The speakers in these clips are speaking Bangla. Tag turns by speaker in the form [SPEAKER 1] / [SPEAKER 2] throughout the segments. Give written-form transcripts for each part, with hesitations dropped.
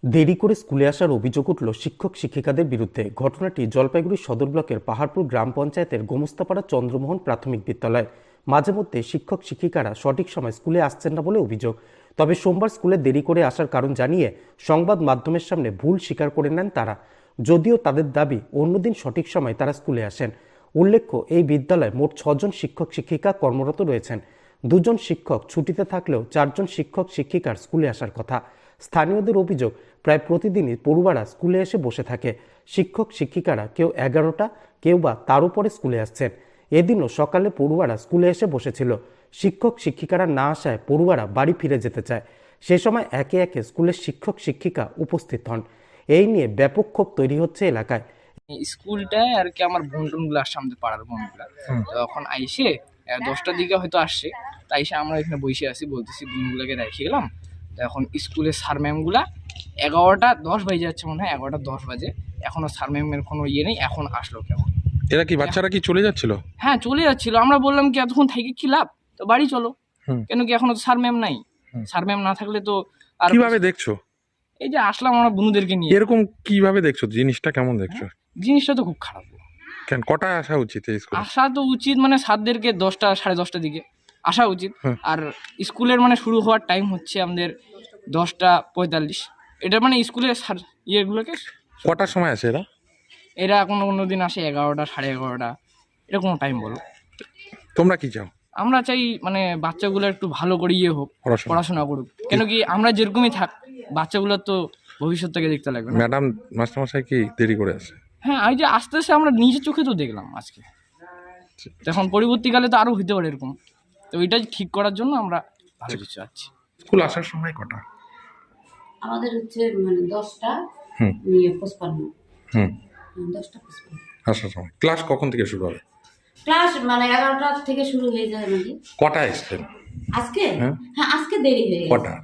[SPEAKER 1] দেরি করে স্কুলে আসার অভিযোগ উঠল শিক্ষক শিক্ষিকাদের বিরুদ্ধে। ঘটনাটি জলপাইগুড়ি সদর ব্লকের পাহাড়পুর গ্রাম পঞ্চায়েতের গোমস্তাপাড়া চন্দ্রমোহন প্রাথমিক বিদ্যালয়। মাঝে মধ্যে শিক্ষক শিক্ষিকারা সঠিক সময় স্কুলে আসছেন না বলে অভিযোগ। তবে সোমবার স্কুলে দেরি করে আসার কারণ জানিয়ে সংবাদ মাধ্যমের সামনে ভুল স্বীকার করে নেন তারা। যদিও তাদের দাবি অন্যদিন সঠিক সময় তারা স্কুলে আসেন। উল্লেখ্য, এই বিদ্যালয়ে মোট 6 জন শিক্ষক শিক্ষিকা কর্মরত রয়েছেন। 2 জন শিক্ষক ছুটিতে থাকলেও 4 জন শিক্ষক শিক্ষিকার স্কুলে আসার কথা। স্থানীয়দের অভিযোগ, প্রায় প্রতিদিনই পড়ুয়ারা স্কুলে এসে বসে থাকে। শিক্ষক শিক্ষিকারা কেউ 11টা, কেউ বা তার উপরে স্কুলে আসছেন। এদিনও সকালে পড়ুয়ারা স্কুলে এসে বসেছিল। শিক্ষক শিক্ষিকারা না আসায় পড়ুয়ারা বাড়ি ফিরে যেতে চায়। সে সময় একে একে স্কুলের শিক্ষক শিক্ষিকা উপস্থিত হন। এই নিয়ে ব্যাপক ক্ষোভ তৈরি হচ্ছে এলাকায়।
[SPEAKER 2] স্কুলটায় আর কি আমার বোনগুলো আসছে, আমাদের পাড়ার বোনগুলা। তখন আইসে 10টার দিকে হয়তো আসছে, তাই এসে আমরা এখানে বসে আছি, বলতেছি বোনগুলোকে রেখে গেলাম। তো এখন স্কুলের স্যার ম্যামগুলা 11টা 10 বাজে যাচ্ছে, মনে হয় 11টা 10 বাজে, এখনো স্যার ম্যামের কোনো ইয়ে নেই। এখন আসলো কেমন?
[SPEAKER 3] এরা কি বাচ্চারা কি চলে যাচ্ছিল?
[SPEAKER 2] হ্যাঁ, চলে যাচ্ছিল। আমরা বললাম কি এতক্ষণ থেকে কি লাভ, তো বাড়ি চলো। কেন কি এখনো স্যার ম্যাম নাই? স্যার ম্যাম না থাকলে তো আর
[SPEAKER 3] কিভাবে দেখছো?
[SPEAKER 2] এই যে আসলাম আমরা বন্ধুদেরকে নিয়ে।
[SPEAKER 3] এরকম কিভাবে দেখছো? জিনিসটা কেমন দেখছো?
[SPEAKER 2] জিনিসটা তো খুব খারাপ।
[SPEAKER 3] কেন, কটায় আসা উচিত এই স্কুলে?
[SPEAKER 2] আসা তো উচিত মানে স্যারদেরকে 10টা 10:30টার দিকে আসা উচিত। আর স্কুলের মানে শুরু হওয়ার টাইম হচ্ছে আমাদের 10টা 45। এটা মানে স্কুলের ইয়েগুলোকে
[SPEAKER 3] কটার সময় আসে এরা?
[SPEAKER 2] এরা কোনো দিন আসে 11টা 11:30, এরকম টাইম বলো।
[SPEAKER 3] তোমরা কি চাও?
[SPEAKER 2] আমরা চাই মানে বাচ্চাগুলো একটু ভালো করে ইয়ে হোক,
[SPEAKER 3] পড়াশোনা।
[SPEAKER 2] পড়াশোনা করুক। কেন কি আমরা যেরকমই থাক, বাচ্চাগুলোর তো ভবিষ্যৎটাকে দেখতে লাগবে না।
[SPEAKER 3] ম্যাডাম মাস্টারমশাই কি দেরি করে আসে?
[SPEAKER 2] হ্যাঁ, এই যে আস্তে আস্তে আমরা নিজের চোখে তো দেখলাম আজকে। তো এখন পরবর্তীকালে তো আরও হতে পারে এরকম। তো ওইটা ঠিক করার জন্য আমরা ভালো কিছু আছি।
[SPEAKER 3] স্কুল আসার সময় কটা?
[SPEAKER 4] আমাদের হচ্ছে মানে 10টা 55। 10টা 55
[SPEAKER 3] আসার সময়। ক্লাস কখন থেকে শুরু হবে?
[SPEAKER 4] ক্লাস মানে 11টা থেকে শুরু হয়ে যায় আমাদের।
[SPEAKER 3] কটায় এসছেন?
[SPEAKER 4] আজকে
[SPEAKER 3] হ্যাঁ।
[SPEAKER 4] হ্যাঁ, আজকে দেরি হয়ে গেছে।
[SPEAKER 3] কটা?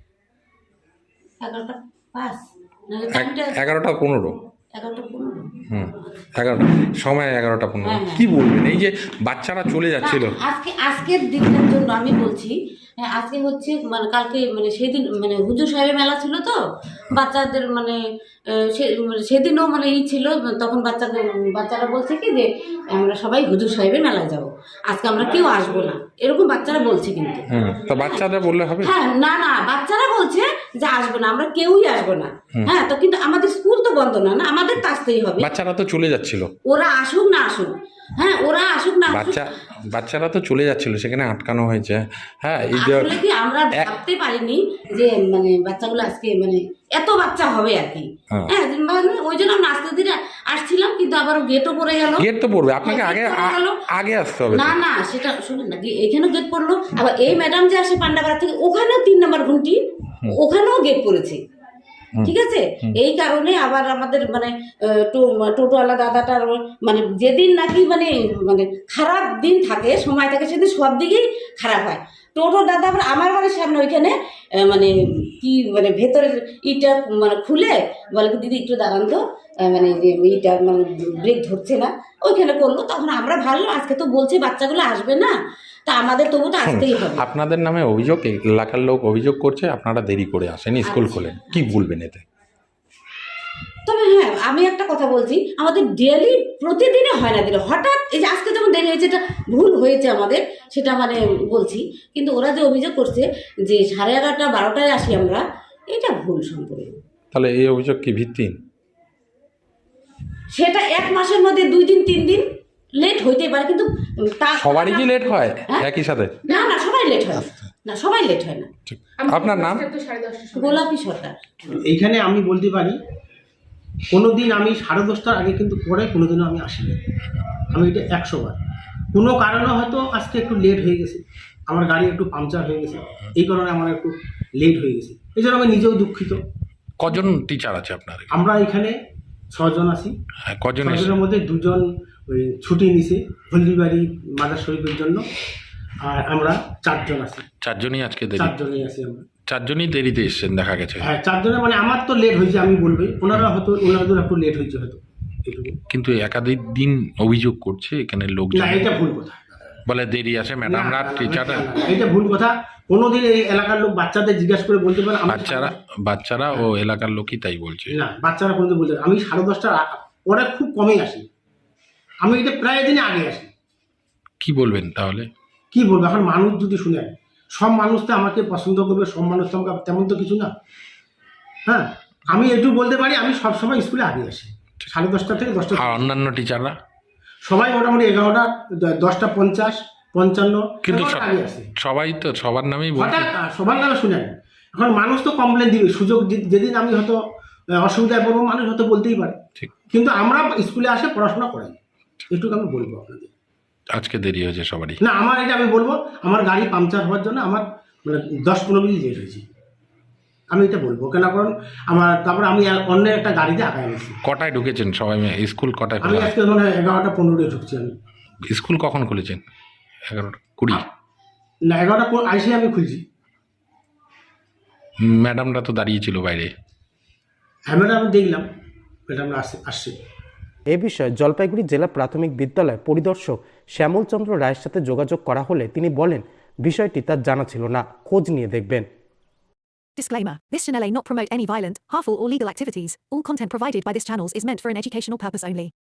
[SPEAKER 4] 11টা 5 নাহলে টাইমটা
[SPEAKER 3] 11টা 15।
[SPEAKER 4] 11টা 15।
[SPEAKER 3] 11টা সময় 11টা 15।
[SPEAKER 4] হ্যাঁ।
[SPEAKER 3] কি বলবেন এই যে বাচ্চারা চলে যাচ্ছিল?
[SPEAKER 4] আজকের দিনের জন্য আমি বলছি, আজকে হচ্ছে মানে কালকে মানে সেদিন মানে হুজুর সাহেবের মেলা ছিল তো বাচ্চাদের মানে সেদিনও মানে ছিল, তখন বাচ্চারা বলছে কি যে আমরা সবাই হুজুর সাহেবের মেলায় যাব, আজকে আমরা কেউ আসবো না, এরকম বাচ্চারা বলছে। কিন্তু
[SPEAKER 3] তো বাচ্চাদের বললে হবে?
[SPEAKER 4] হ্যাঁ, না বাচ্চারা বলছে যে আসবো না, আমরা কেউই আসবো না। হ্যাঁ, তো কিন্তু আমাদের স্কুল তো বন্ধ না, আমাদের তো আসতেই হবে।
[SPEAKER 3] বাচ্চারা তো চলে যাচ্ছিল।
[SPEAKER 4] ওরা আসুক না আসুক, হ্যাঁ ওরা আসুক না আসুক।
[SPEAKER 3] বাচ্চারা তো চলে যাচ্ছিল, সেখানে আটকানো হয়েছে। হ্যাঁ, এই যে
[SPEAKER 4] আসলে কি আমরা ভাবতে পারিনি যে মানে বাচ্চাগুলো আজকে মানে এত বাচ্চা হবে আর কি। হ্যাঁ, ওই জন্য আমরা আস্তে ধীরে আসছিলাম, কিন্তু আবার গেটও পড়ে গেল।
[SPEAKER 3] গেট তো পড়বে, আপনাকে আগে আসতে হবে।
[SPEAKER 4] না সেটা শুনুন না, এখানেও গেট পড়লো, আবার এই ম্যাডাম যে আসে পান্ডাপাড়া থেকে, ওখানেও 3 নম্বর ঘুমটি, ওখানেও গেট পড়েছে। ঠিক আছে, এই কারণে আবার আমাদের মানে টোটোওয়ালা দাদাটার মানে যেদিন নাকি মানে মানে খারাপ দিন থাকে, সময় থাকে, সেদিন সব দিকেই খারাপ হয়। টোটো দাদা আবার আমার বাড়ির সামনে ওইখানে মানে কি মানে ভেতরের ইটা মানে খুলে বলে কি দিদি একটু দাঁড়ান তো, মানে যে ইটা মানে ব্রেক ধরছে না, ওইখানে করলো। তখন আমরা ভালো, আজকে তো বলছে বাচ্চাগুলো আসবে না, তা আমাদের তবু তো আসতেই হবে।
[SPEAKER 3] আপনাদের নামে অভিযোগ, এলাকার লোক অভিযোগ করছে আপনারা দেরি করে আসেন, স্কুল খোলেন। কি বলবেন এতে?
[SPEAKER 4] তবে হ্যাঁ, আমি একটা কথা বলছি, আমাদের ডেলি প্রতিদিনে হয় না, দিলে হঠাৎ এই যে আজকে যেমন দেরি হয়েছে, এটা ভুল হয়েছে আমাদের, সেটা মানে বলছি। কিন্তু ওরা যে অভিযোগ করছে যে 11:30 12টায় আসি আমরা, এটা ভুল সম্পূর্ণ।
[SPEAKER 3] তাহলে এই অভিযোগ কি ভিত্তিহীন?
[SPEAKER 4] সেটা 1 মাসের মধ্যে 2 দিন 3 দিন লেট হইতে পারে, কিন্তু
[SPEAKER 3] সবারই কি লেট হয় একই সাথে?
[SPEAKER 4] না সবাই লেট হয় না, সবাই লেট হয় না।
[SPEAKER 3] আপনার নাম?
[SPEAKER 4] গোলাপী সরকার।
[SPEAKER 5] এইখানে আমি বলতে পারি, কোনোদিন আমি 10:30টার আগে কিন্তু পরে কোনোদিনও আমি আসিনি। আমি এটা 100 বার। কোনো কারণে হয়তো আজকে একটু লেট হয়ে গেছে, আমার গাড়ি একটু পাংচার হয়ে গেছে, এই কারণে আমার একটু লেট হয়ে গেছে। এই জন্য আমি নিজেও দুঃখিত।
[SPEAKER 3] কজন টিচার আছে আপনার?
[SPEAKER 5] আমরা এখানে 6 জন আছি।
[SPEAKER 3] কজন?
[SPEAKER 5] 6 জনের মধ্যে 2 জন ওই ছুটি নিছে হলদিবাড়ি মাদার শরীফের জন্য, আর আমরা 4 জন আছি।
[SPEAKER 3] 4 জনই আজকে দেরি?
[SPEAKER 5] 4 জনই আছি আমরা।
[SPEAKER 3] 4 জনই দেরিতে এসেছেন দেখা গেছে।
[SPEAKER 5] হ্যাঁ, 4 জনের মানে আমার তো লেট হয়েছে, আমি বলবো ওনারা হয়তো ওনাদের একটু লেট হয়েছে হয়তো, এটুকু।
[SPEAKER 3] কিন্তু একাধিক দিন অভিযোগ করছে এখানে লোকজন।
[SPEAKER 5] না, এটা ভুল কথা।
[SPEAKER 3] বলে দেরি আসে ম্যাডামরা টিচাররা
[SPEAKER 5] এটা ভুল কথা। কোনোদিন এই এলাকার লোক বাচ্চাদের জিজ্ঞাসা করে বলতে পারে
[SPEAKER 3] বাচ্চারা ও এলাকার লোকই তাই বলছে।
[SPEAKER 5] না, বাচ্চারা কোনোদিন বলতে পারে আমি 10:30টার পরে খুব কমই আসি, আমি এটা প্রায় দিনে আগে আসি।
[SPEAKER 3] কি বলবেন তাহলে?
[SPEAKER 5] কি বলবো এখন, মানুষ যদি শুনে, সব মানুষ তো আমাকে পছন্দ করবে, সব মানুষ তো আমাকে তেমন তো কিছু না। হ্যাঁ, আমি একটু বলতে পারি আমি সবসময় স্কুলে আগে আসি 10:30 থেকে 10টা।
[SPEAKER 3] আর অন্যান্য টিচাররা
[SPEAKER 5] সবাই মোটামুটি 11টা 10:50 55
[SPEAKER 3] কিন্তু
[SPEAKER 5] আগে আসে।
[SPEAKER 3] সবাই তো সবার নামেই বলছে।
[SPEAKER 5] হঠাৎ সবার নামে শুনেন, এখন মানুষ তো কমপ্লেন দিবে, সুযোগ যেদিন আমি হয়তো অসুবিধায় পড়বো মানুষ হয়তো বলতেই পারে,
[SPEAKER 3] ঠিক।
[SPEAKER 5] কিন্তু আমরা স্কুলে আসে পড়াশোনা করাই, এটুকু আমি বলবো আপনাদের।
[SPEAKER 3] আজকে দেরি হয়েছে সবারই।
[SPEAKER 5] না, আমার এটা আমি বলবো, আমার গাড়ি পাংচার হওয়ার জন্য আমার মানে 10-15 মিনিট লেট হয়েছে, আমি এটা বলবো কেন, কারণ আমার তারপরে আমি অন্য একটা গাড়িতে আগায় গেছি।
[SPEAKER 3] কটায় ঢুকেছেন সবাই স্কুল কটায়
[SPEAKER 5] আমি
[SPEAKER 3] খোলা?
[SPEAKER 5] আজকে মানে 11:15 ঢুকছি আমি।
[SPEAKER 3] স্কুল কখন খুলেছেন? 11:20?
[SPEAKER 5] না, 11টা আইসে আমি খুলছি।
[SPEAKER 3] ম্যাডামরা তো দাঁড়িয়েছিল বাইরে।
[SPEAKER 5] হ্যাঁ ম্যাডাম, আমি দেখলাম ম্যাডামরা আসছে।
[SPEAKER 1] এ বিষয়ে জলপাইগুড়ি জেলা প্রাথমিক বিদ্যালয় পরিদর্শক শ্যামলচন্দ্র রায়ের সাথে যোগাযোগ করা হলে তিনি বলেন বিষয়টি তার জানা ছিল না, খোঁজ নিয়ে দেখবেন।
[SPEAKER 6] Disclaimer. This channel may not promote any violent, harmful or legal activities. All content provided by this channel is meant for an educational purpose only.